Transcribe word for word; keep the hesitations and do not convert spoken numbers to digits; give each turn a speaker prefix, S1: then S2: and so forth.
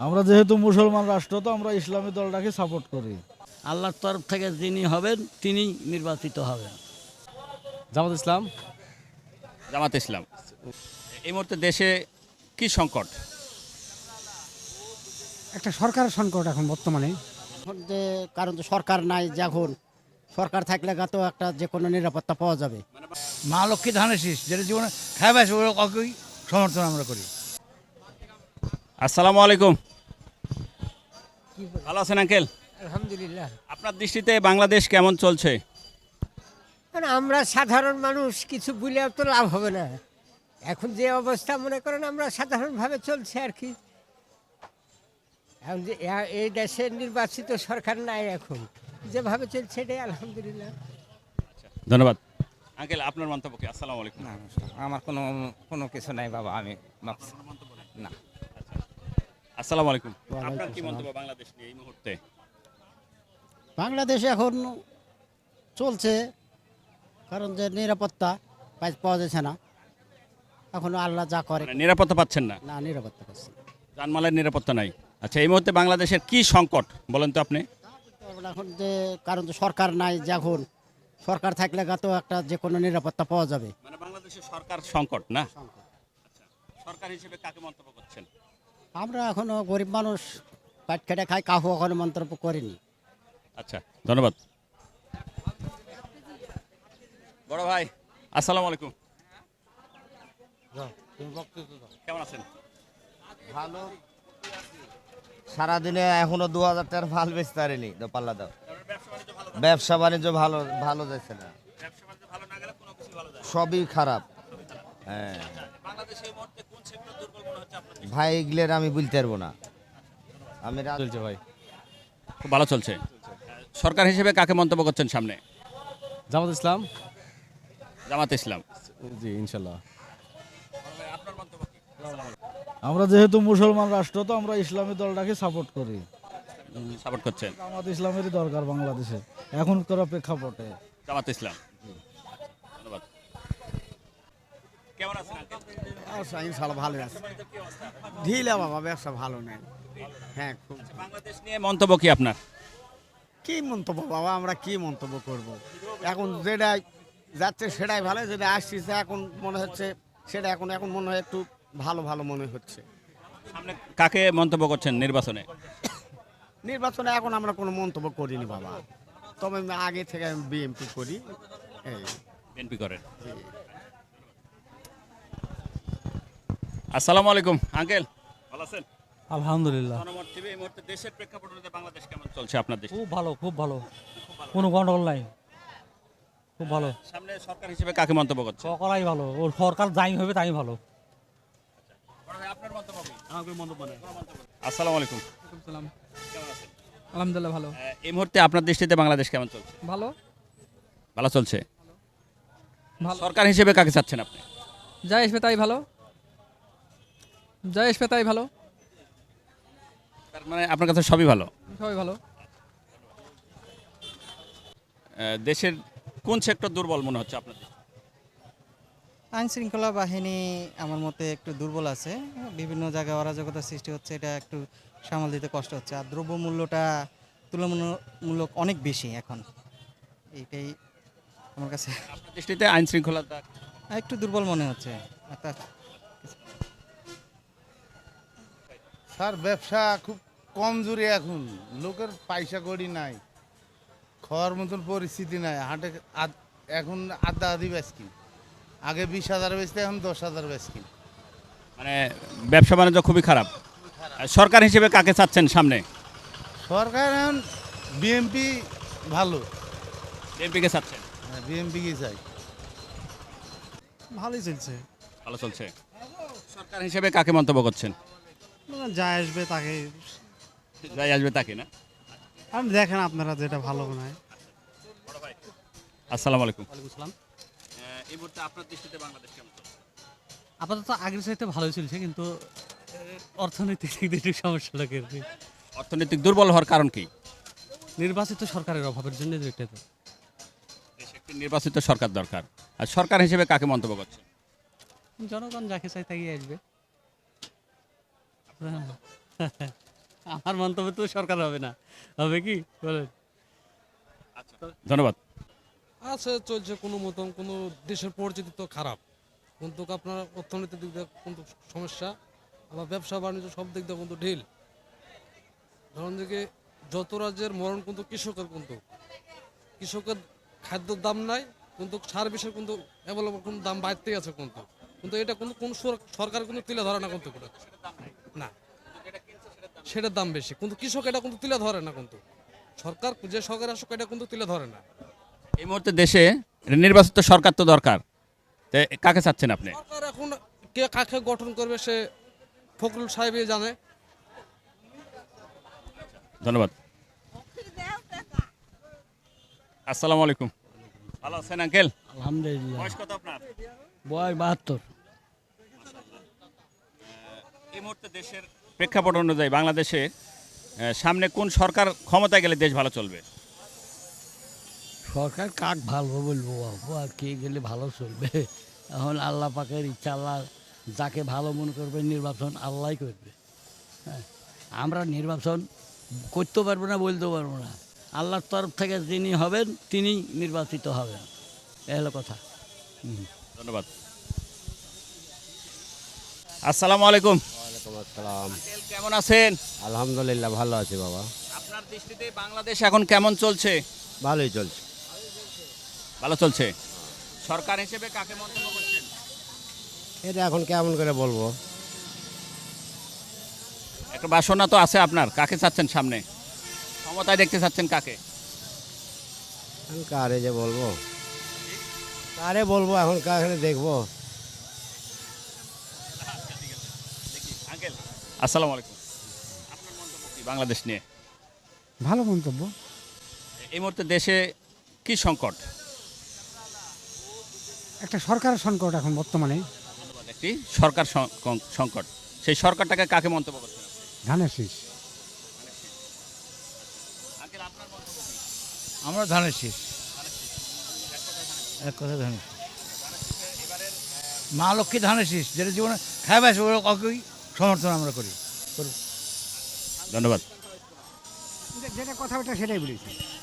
S1: আমরা যেহেতু মুসলমান রাষ্ট্র, তো আমরা ইসলামী দলটাকে সাপোর্ট করি।
S2: আল্লাহর তরফ থেকে যিনি হবেন তিনি নির্বাচিত হবেন।
S3: জামাত ইসলাম।
S4: জামাত ইসলাম। এই মুহূর্তে দেশে কি সংকট?
S5: একটা সরকারের সংকট এখন বর্তমানে।
S6: এখন যে কারণ তো সরকার নাই, যখন সরকার থাকলে তো একটা যে কোনো নিরাপত্তা পাওয়া যাবে।
S2: মা লক্ষ্মী ধানের শীষ যেটা জীবনে খাই পাইছে ওই সমর্থন আমরা করি।
S4: আসসালামু আলাইকুম। ভালো আছেন আঙ্কেল?
S5: আলহামদুলিল্লাহ।
S4: আপনার দৃষ্টিতে বাংলাদেশ কেমন চলছে?
S5: মানে আমরা সাধারণ মানুষ কিছু বলেও তো লাভ হবে না। এখন যে অবস্থা মনে করেন আমরা সাধারণভাবে চলছে আর কি। এখন যে এ- এই দেশের নির্বাচিত সরকার নাই, এখন যেভাবে চলছে এটাই আলহামদুলিল্লাহ।
S4: ধন্যবাদ আঙ্কেল। আপনার মন্তব্য কি? আসসালামু আলাইকুম।
S7: না, আমার কোনো কোনো কিছু নাই বাবা, আমি ভাবছি না।
S4: আসসালামু আলাইকুম। আপনার কি মন্তব্য বাংলাদেশ নিয়ে এই মুহূর্তে?
S6: বাংলাদেশে এখন চলছে, কারণ যে নিরাপত্তা পাই- পাওয়া যাচ্ছে না। এখন আল্লাহ যা করে,
S4: মানে নিরাপত্তা পাচ্ছেন না?
S6: না নিরাপত্তা পাচ্ছে না।
S4: জানমালের নিরাপত্তা নাই। আচ্ছা, এই মুহূর্তে বাংলাদেশের কি সংকট বলেন তো আপনি?
S6: এখন এখন যে কারণ তো সরকার নাই, যখন সরকার থাকলে তো একটা যে কোনো নিরাপত্তা পাওয়া যাবে।
S4: মানে বাংলাদেশের সরকার সংকট না? আচ্ছা, সরকার হিসেবে কাকে মন্তব্য করছেন?
S6: আমরা এখনো গরিব মানুষ, পাট খেটে খাই, কাহু এখনো মন্তব্য করিনি।
S4: আচ্ছা, ধন্যবাদ। বড় ভাই আসসালামু আলাইকুম। কেমন আছেন?
S8: ভালো। সারাদিনে এখনো দু হাজার টাকার ভাল বেচতে পারিনি, তো পাল্লা দাও। ব্যবসা বাণিজ্য ভালো ভালো যাচ্ছে না, সবই খারাপ। হ্যাঁ ভাই, এগুলোর আমি বলতে পারবো না। আমি রাত-
S3: চলছে ভাই।
S4: খুব ভালো চলছে। সরকার হিসেবে কাকে মন্তব্য করছেন সামনে?
S3: জামাত ইসলাম।
S4: জামাত ইসলাম।
S3: জি ইনশাল্লাহ।
S1: আমরা যেহেতু মুসলমান রাষ্ট্র, তো আমরা ইসলামী দলটাকে সাপোর্ট করি।
S4: সাপোর্ট করছেন
S1: জামাত ইসলামেরই দরকার বাংলাদেশে এখনকার প্রেক্ষাপটে।
S4: জামাত ইসলাম। ধন্যবাদ। কেমন আছেন আঙ্কেল?
S7: ইনশাল্লাহ ভালো আছে। ঢিলা বাবা, ব্যবসা ভালো নেই। হ্যাঁ, খুব।
S4: বাংলাদেশ নিয়ে মন্তব্য কি আপনার?
S7: কি মন্তব্য বাবা, আমরা কি মন্তব্য করব? এখন যেটাই যাচ্ছে সেটাই ভালো, যেটা আসছে এখন মনে হচ্ছে সেটা এখন এখন মনে হয় একটু ভালো ভালো মনে হচ্ছে।
S4: সামনে কাকে মন্তব্য করছেন নির্বাচনে?
S7: নির্বাচনে এখন আমরা কোনো মন্তব্য করিনি বাবা, তবে আমি আগে থেকে আমি বিএমপি করি। এই
S4: বিএনপি করেন। আসসালামু আলাইকুম আঙ্কেল, ভালো আছেন?
S9: আলহামদুলিল্লাহ,
S4: জনমত টিভি এই মুহূর্তে দেশের প্রেক্ষাপটে বাংলাদেশ কেমন চলছে আপনার দেশে?
S9: খুব ভালো, খুব ভালো, কোনো গন্ডগোল নাই, খুব ভালো।
S4: সামনে সরকার হিসেবে কাকে মন্তব্য করছেন?
S9: সকলাই ভালো, ওর সরকার যাই হবে তাই ভালো।
S4: আপনার মন্তব্য কি? আসসালামু আলাইকুম। কেমন আছেন?
S10: আলহামদুলিল্লাহ ভালো।
S4: আহ, এই মুহূর্তে আপনার দৃষ্টিতে বাংলাদেশ কেমন চলছে?
S10: ভালো
S4: ভালো চলছে।
S10: ভালো।
S4: সরকার হিসেবে কাকে চাচ্ছেন আপনি?
S10: যা আসবে তাই ভালো, যা আসবে তাই ভালো,
S4: তার মানে আপনার কাছে সবই ভালো।
S10: সবাই ভালো।
S4: আহ, দেশের কোন সেক্টর দুর্বল মনে হচ্ছে আপনার দৃষ্টিতে?
S11: আইন শৃঙ্খলা বাহিনী আমার মতে একটু দুর্বল আছে, বিভিন্ন জায়গায় অরাজকতার সৃষ্টি হচ্ছে, এটা একটু সামাল দিতে কষ্ট হচ্ছে। আর দ্রব্যমূল্যটা তুলনামূলক অনেক বেশি এখন, এইটাই আমার কাছে
S4: আপনার দৃষ্টিতে আইন শৃঙ্খলাটা
S11: একটু দুর্বল মনে হচ্ছে। একটা
S12: স্যার, ব্যবসা খুব কমজোরি, এখন লোকের পয়সা কড়ি নাই, খাওয়ার মতন পরিস্থিতি নাই। হাটে আদ- এখন আধা আধি বেচকিন, আগে বিশ হাজার বেচতে এখন দশ হাজার বেচকিন।
S4: মানে ব্যবসা বাণিজ্য খুবই খারাপ। আর সরকার হিসেবে কাকে চাচ্ছেন সামনে?
S12: সরকার এখন বিএমপি ভালো,
S4: বিএনপিকে চাচ্ছেন?
S12: বিএমপি কি চাই।
S11: ভালোই চলছে,
S4: ভালো চলছে। সরকার হিসেবে কাকে মন্তব্য করছেন?
S11: যা আসবে তাকে
S4: যাই আসবে তাকে না?
S11: আমি দেখেন আপনারা যেটা ভালো মনে হয়।
S4: আসসালামু আলাইকুম।
S9: ওয়ালাইকুম আসসালাম।
S4: এই মুহূর্তে আপনার দৃষ্টিতে বাংলাদেশ কেমন চলছে?
S9: আপাতত আগের চাইতে ভালোই চলছে, কিন্তু এ, অর্থনৈতিক দিক দিয়ে একটু সমস্যা লাগে আর কি।
S4: অর্থনৈতিক দুর্বল হওয়ার কারণ কি?
S9: নির্বাচিত সরকারের অভাবের জন্য এটা তো।
S4: দেশে একটি নির্বাচিত সরকার দরকার। আর সরকার হিসেবে কাকে মন্তব্য করছেন?
S9: জনগণ যাকে চাই তাই আসবে। আমার মন্তব্য তো সরকার হবে না, হবে কি বলেন?
S4: ধন্যবাদ।
S13: আছে চলছে কোনো মতন, কোনো দেশের পরিচিতি তো খারাপ, কিন্তু আপনার অর্থনৈতিক দিক দিয়ে কিন্তু সমস্যা, আবার ব্যবসা বাণিজ্য সব দিক দিয়ে কিন্তু ঢিল। ধরুন দিকে যত রাজ্যের মরণ কিন্তু কৃষকের, কিন্তু কৃষকের খাদ্যর দাম নাই, কিন্তু সার বিষয়ে কিন্তু অ্যাভেলেবল কোনো দাম বাড়তেই আছে, কিন্তু কিন্তু এটা কিন্তু কোন সরকার কিন্তু তুলে ধরে না, কিন্তু না সেটার দাম বেশি, কিন্তু কৃষক এটা কিন্তু তুলে ধরে না, কিন্তু সরকার যে সরকার আসুক এটা কিন্তু তুলে ধরে না।
S4: এই মুহূর্তে দেশে নির্বাচিত সরকার তো দরকার, তো কাকে চাচ্ছেন আপনি?
S13: সরকার এখন কে কাকে গঠন করবে সে ফখরুল সাহেবই জানে।
S4: ধন্যবাদ। আসসালামু আলাইকুম, ভালো আছেন আঙ্কেল?
S2: আলহামদুলিল্লাহ।
S4: বয়স কত আপনার?
S2: বয়স বাহাত্তর।
S4: এই মুহূর্তে দেশের প্রেক্ষাপট অনুযায়ী বাংলাদেশে আহ, সামনে কোন সরকার ক্ষমতায় গেলে দেশ ভালো চলবে?
S2: সরকার কাক ভালো বলবো বাবু, আর কে গেলে ভালো চলবে? এখন আল্লাহ পাকের ইচ্ছা, আল্লাহ যাকে ভালো মনে করবে নির্বাচন আল্লাহই করবে। হ্যাঁ, আমরা নির্বাচন করতে পারবো না, বলতে পারবো না। আল্লাহর তরফ থেকে যিনি হবেন তিনি নির্বাচিত হবেন, এ হলো কথা। হুম।
S4: ধন্যবাদ। আসসালামু আলাইকুম।
S7: ওয়ালাইকুম আসসালাম।
S4: আঙ্কেল কেমন আছেন?
S7: আলহামদুলিল্লাহ ভালো আছি বাবা।
S4: আপনার দৃষ্টিতে বাংলাদেশ এখন কেমন চলছে?
S7: ভালোই চলছে।
S4: ভালো চলছে। সরকার হিসেবে কাকে মন্তব্য করছেন?
S7: এটা এখন কেমন করে বলবো?
S4: একটা বাসনা তো আছে আপনার, কাকে চাচ্ছেন সামনে ক্ষমতায় দেখতে চাচ্ছেন কাকে?
S7: এখন কারে যে বলবো, কারে বলবো এখন, কারে দেখবো?
S4: আঙ্কেল আসসালামু আলাইকুম, আপনার মন্তব্য কি বাংলাদেশ নিয়ে?
S6: ভালো মন্তব্য।
S4: এই মুহূর্তে দেশে কি সংকট?
S6: একটা সরকারের সংকট এখন বর্তমানে।
S4: একটি সরকার সং- কং- সংকট, সেই সরকারটাকে কাকে মন্তব্য করছেন?
S6: ধানের শীষ।
S4: আঙ্কেল আপনার মন্তব্য কি?
S2: আমরা ধানের শীষ, এক কথা ধানের শীষ। মা লক্ষ্মী ধানের শীষ, যেটা জীবনে খাইবে ওই সমর্থন আমরা করি।
S4: ধন্যবাদ।
S6: যেটা কথা ওটা সেটাই বলেছি।